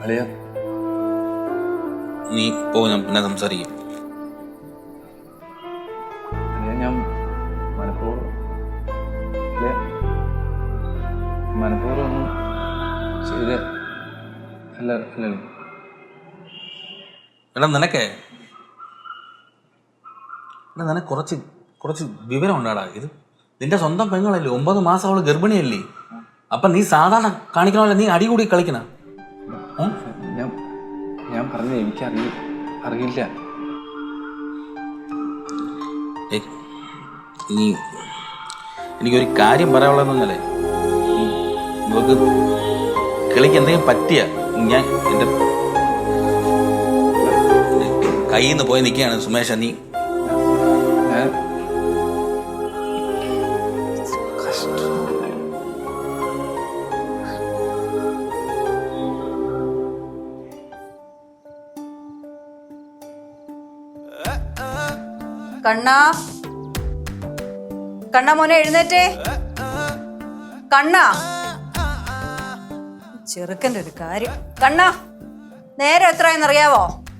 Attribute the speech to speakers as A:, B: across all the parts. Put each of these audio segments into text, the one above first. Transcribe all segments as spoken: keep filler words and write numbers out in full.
A: അളിയ
B: നീ പോ, ഞാൻ പിന്നെ സംസാരിക്കും.
A: അളിയ ഞാൻ മനഃപൂർവ്വം മനഃപൂർവ്വം ഒന്നും ചെയ്ത അല്ല അല്ലല്ലോ.
B: എടാ നിനക്കേ എടാ നിനക്ക് കുറച്ച് കുറച്ച് വിവരം ഉണ്ടാടാ. ഇത് നിന്റെ സ്വന്തം പെങ്ങളല്ലേ, ഒമ്പത് മാസം അവള് ഗർഭിണിയല്ലേ. അപ്പം നീ സാധാരണ കാണിക്കണമല്ലോ, നീ അടി കൂടി കളിക്കണ.
A: ഞാൻ ഞാൻ പറഞ്ഞത് എനിക്കറിയ അറിയില്ല.
B: നീ എനിക്കൊരു കാര്യം പറയാനുള്ളതെന്നല്ലേ, നമുക്ക് കിളിക്ക് എന്തെങ്കിലും പറ്റിയ ഞാൻ എൻ്റെ കയ്യിൽ നിന്ന് പോയി നിൽക്കുകയാണ് സുമേഷ. നീ
A: ഞാൻ
C: കണ്ണാ കണ്ണാ മോനെ എഴുന്നേറ്റേ. കണ്ണാ, ചെറുക്കൻ്റെ ഒരു കാര്യം. കണ്ണാ, നേരം എത്രയെന്നറിയാവോ?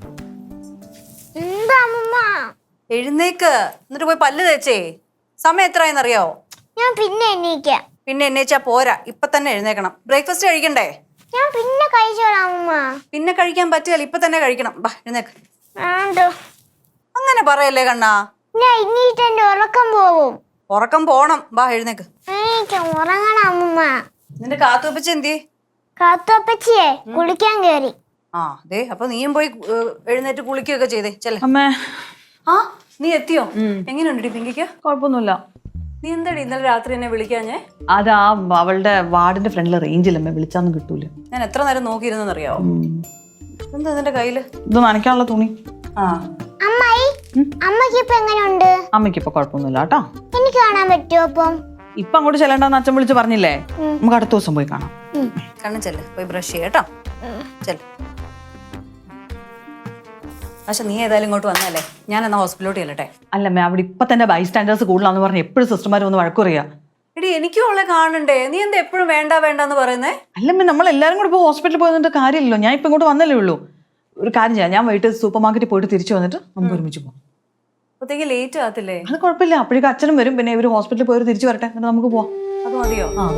C: എഴുന്നേക്ക്, എന്നിട്ട് പോയി പല്ല് തേച്ചേ. സമയം എത്രയെന്നറിയാവോ?
D: ഞാൻ പിന്നെ എണീക്കാം.
C: പിന്നെ എണ്ണീച്ചാ പോരാ, ഇപ്പൊ തന്നെ എഴുന്നേക്കണം. ബ്രേക്ക്ഫാസ്റ്റ് കഴിക്കണ്ടേ?
D: ഞാൻ പിന്നെ കഴിച്ചോളാം അമ്മ.
C: പിന്നെ കഴിക്കാൻ പറ്റില്ല, ഇപ്പൊ തന്നെ കഴിക്കണം. ബാ എഴുന്നേക്ക്.
D: ആണ്ടോ
C: അങ്ങനെ പറയല്ലേ കണ്ണാ.
D: ഞാൻ ഇന്നീട്ട് എന്റെ ഉറക്കം പോവും.
C: ഉറക്കം പോണം. ബാ എഴുന്നേക്ക്.
D: എനിക്ക് ഉറങ്ങണം അമ്മ.
C: നിന്റെ കാത്തുവപ്പിച്ച് എന്തി?
D: കാത്തോപ്പച്ചിയെ കുളിക്കാൻ കേറി.
C: ആ അതെ, അപ്പൊ നീയും പോയി എഴുന്നേറ്റ് കുളിക്കുകയൊക്കെ ചെയ്തേ. ചെല്ലേ
E: അമ്മേ.
C: ആ നീ എത്തിയോ? എങ്ങനെയുണ്ട് പിങ്കിക്ക്?
E: കുഴപ്പമൊന്നുമില്ല.
C: നീ എന്താടി ഇന്നലെ രാത്രി എന്നെ വിളിക്കാഞ്ഞേ?
E: അതാ അവളുടെ വാർഡിന്റെ ഫ്രണ്ടിൽ റേഞ്ചിലമ്മേ, വിളിച്ചാന്ന് കിട്ടൂല.
C: ഞാൻ എത്ര നേരം നോക്കിയിരുന്നറിയാവോ? എന്താ നിന്റെ കയ്യില്?
E: ഇത് നനയ്ക്കാനുള്ള തുണി.
C: ആ
D: അമ്മായി, അമ്മക്ക് ഇപ്പൊ എങ്ങനെയുണ്ട്?
E: അമ്മയ്ക്ക് ഇപ്പൊ കുഴപ്പമൊന്നുമില്ല കേട്ടോ.
D: എനിക്ക് കാണാൻ പറ്റുമോ അപ്പം?
E: ഇപ്പൊ അങ്ങോട്ട് ചെല്ലണ്ടെന്ന് അച്ഛൻ വിളിച്ച് പറഞ്ഞില്ലേ, നമുക്ക് അടുത്ത ദിവസം പോയി കാണാം.
C: കണ്ണു ചെല്ല്, പോയി ബ്രഷ് ചെയ്യട്ടോ. ചെല്ല്. പക്ഷെ നീ ഏതായാലും ഇങ്ങോട്ട് വന്നല്ലേ, ഞാൻ എന്നാ ഹോസ്പിറ്റലോട്ട് ചെല്ലട്ടെ.
E: അല്ലമ്മേ, അവിടെ ഇപ്പൊ തന്നെ ബൈ സ്റ്റാൻഡേഴ്സ് കൂടുതലാന്ന് പറഞ്ഞ് എപ്പോഴും സിസ്റ്റർമാർ ഒന്ന് വഴക്കുറിയാ.
C: എടി എനിക്കും അവളെ കാണണ്ടേ, നീ എന്താ എപ്പോഴും വേണ്ട വേണ്ടെന്ന് പറയുന്നേ?
E: അല്ലമ്മേ, നമ്മൾ എല്ലാരും കൂടെ ഇപ്പൊ ഹോസ്പിറ്റലിൽ പോയതിന്റെ കാര്യമില്ലല്ലോ. ഞാൻ ഇപ്പൊ ഇങ്ങോട്ട് വന്നല്ലേ ഉള്ളൂ. ഒരു കാര്യം ചെയ്യാം, ഞാൻ വൈകിട്ട് സൂപ്പർ മാർക്കറ്റിൽ പോയിട്ട് തിരിച്ചു വന്നിട്ട് നമുക്ക് ഒരുമിച്ച് പോകാം.
C: അപ്പത്തേക്ക് ലേറ്റ് ആകത്തില്ലേ?
E: അത് കുഴപ്പമില്ല, അപ്പോഴേക്കും അച്ഛനും വരും. പിന്നെ ഇവര് ഹോസ്പിറ്റലിൽ പോയി തിരിച്ചു വരട്ടെ, എന്നിട്ട് നമുക്ക് പോവാം.
C: അത് മതിയോ?
E: ആ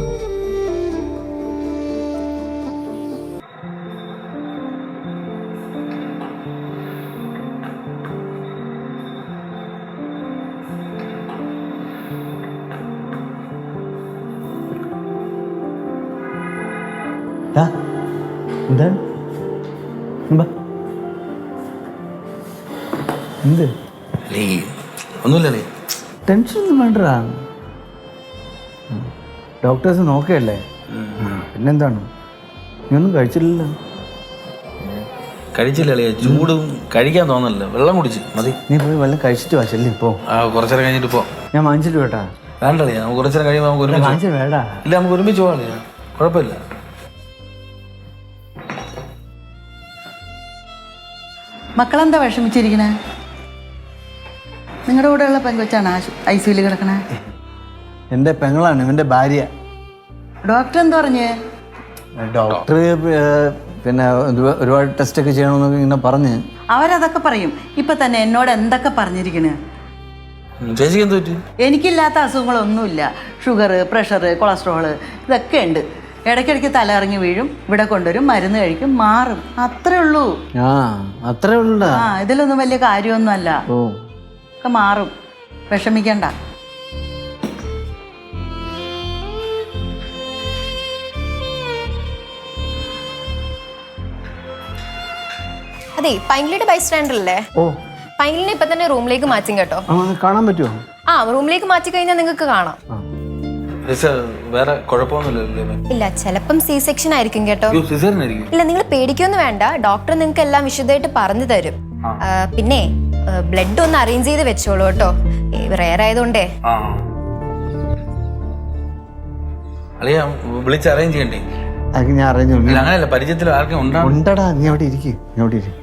F: എന്താണ് എന്ത്
B: ഒന്നുമില്ലേ,
F: ടെൻഷൻ ഒന്നും വേണ്ടടാ. ഡോക്ടേഴ്സ് നോക്കുകയല്ലേ. പിന്നെന്താണ്, നീ ഒന്നും കഴിച്ചില്ലല്ലോ?
B: കഴിച്ചില്ലേ? ചൂടും കഴിക്കാൻ തോന്നല്ലോ, വെള്ളം കുടിച്ച് മതി.
F: നീ പോയി വെള്ളം കഴിച്ചിട്ട് വാ. ചെല്ലി പോ.
B: ആ കുറച്ചേരം കഴിഞ്ഞിട്ട് പോ.
F: ഞാൻ വാങ്ങിച്ചിട്ട് വേട്ടാ.
B: വേണ്ടല്ലേ, നമുക്ക് കുറച്ചേരം കഴിയുമ്പോൾ നമുക്ക് ഒരുമിച്ച്
F: വാങ്ങിച്ചിട്ട് വേടാ.
B: ഇല്ല, നമുക്ക് ഒരുമിച്ച് പോകാം, കുഴപ്പമില്ല.
G: മക്കളെന്താ വിഷമിച്ചിരിക്കണേ? നിങ്ങളുടെ കൂടെയുള്ള പെങ്കൊച്ചാണ് ഐ സിയിൽ കിടക്കണേ?
F: എൻ്റെ പെങ്ങളാണ്, ഇവൻ്റെ ഭാര്യ.
G: ഡോക്ടർ എന്താ പറഞ്ഞേ?
F: ഡോക്ടർ പിന്നെ ഒരുപാട് ടെസ്റ്റ് ഒക്കെ ചെയ്യണമെന്നൊക്കെ ഇങ്ങനെ പറഞ്ഞ്.
G: അവരതൊക്കെ പറയും. ഇപ്പൊ തന്നെ എന്നോട് എന്തൊക്കെ പറഞ്ഞിരിക്കണേ.
B: ചേച്ചിക്ക് എന്ത് പറ്റി?
G: എനിക്കില്ലാത്ത അസുഖങ്ങളൊന്നുമില്ല. ഷുഗർ, പ്രഷർ, കൊളസ്ട്രോള് ഇതൊക്കെ ഉണ്ട്. ഇടയ്ക്കിടയ്ക്ക് തലയിറങ്ങി വീഴും, ഇവിടെ കൊണ്ടുവരും, മരുന്ന് കഴിക്കും, മാറും. അത്രേ ഉള്ളൂ.
F: ആ അത്രേ ഉള്ള.
G: ആ ഇതിലൊന്നും വലിയ കാര്യമൊന്നും അല്ല.
F: ഓ
G: ഒക്കെ മാറും, വിഷമിക്കണ്ട.
H: അതെ, പൈങ്കിളിയുടെ ബൈ സ്റ്റാൻഡർ അല്ലേ?
F: ഓ,
H: പൈങ്കിളിനെ ഇപ്പൊ തന്നെ റൂമിലേക്ക് മാറ്റും കേട്ടോ.
F: കാണാൻ പറ്റുമോ?
H: ആ റൂമിലേക്ക് മാറ്റി കഴിഞ്ഞാൽ നിങ്ങൾക്ക് കാണാം.
B: വേറെ കുഴപ്പമൊന്നുമില്ല?
H: ഇല്ല, ചിലപ്പം സി സെക്ഷൻ ആയിരിക്കും കേട്ടോ. ഇല്ല, നിങ്ങൾ പേടിക്കൊന്നും വേണ്ട. ഡോക്ടർ നിങ്ങൾക്ക് എല്ലാം വിശദമായിട്ട് പറഞ്ഞു തരും. പിന്നെ ബ്ലഡ് ഒന്ന് അറേഞ്ച് ചെയ്ത് വെച്ചോളൂ കേട്ടോ, റെയർ ആയതുകൊണ്ടേ.
B: വിളിച്ച് അറേഞ്ച് ചെയ്യണ്ടേ?
F: ഞാൻ അറേഞ്ച്
B: അങ്ങനെയല്ല, പരിചയത്തിൽ ആർക്കും
F: ഉണ്ടടാ. നീ അവിടെ ഇരിക്കും, നീ അവിടെ ഇരിക്കും.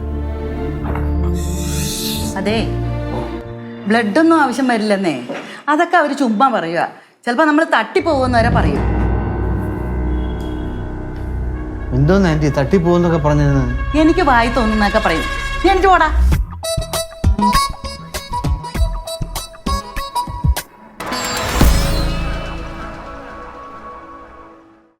G: അതെ, ബ്ലഡ് ഒന്നും ആവശ്യം വരില്ലെന്നേ. അതൊക്കെ അവര് ചുമ്മാ പറയുക. ചിലപ്പോ നമ്മൾ തട്ടിപ്പോകുന്നവരെ പറയും.
F: എന്തോന്ന് ആൻറ്റി തട്ടിപ്പോന്നൊക്കെ പറഞ്ഞിരുന്നു.
G: എനിക്ക് വായി തോന്നുന്നൊക്കെ പറയും. നീ എനിക്ക് പോടാ.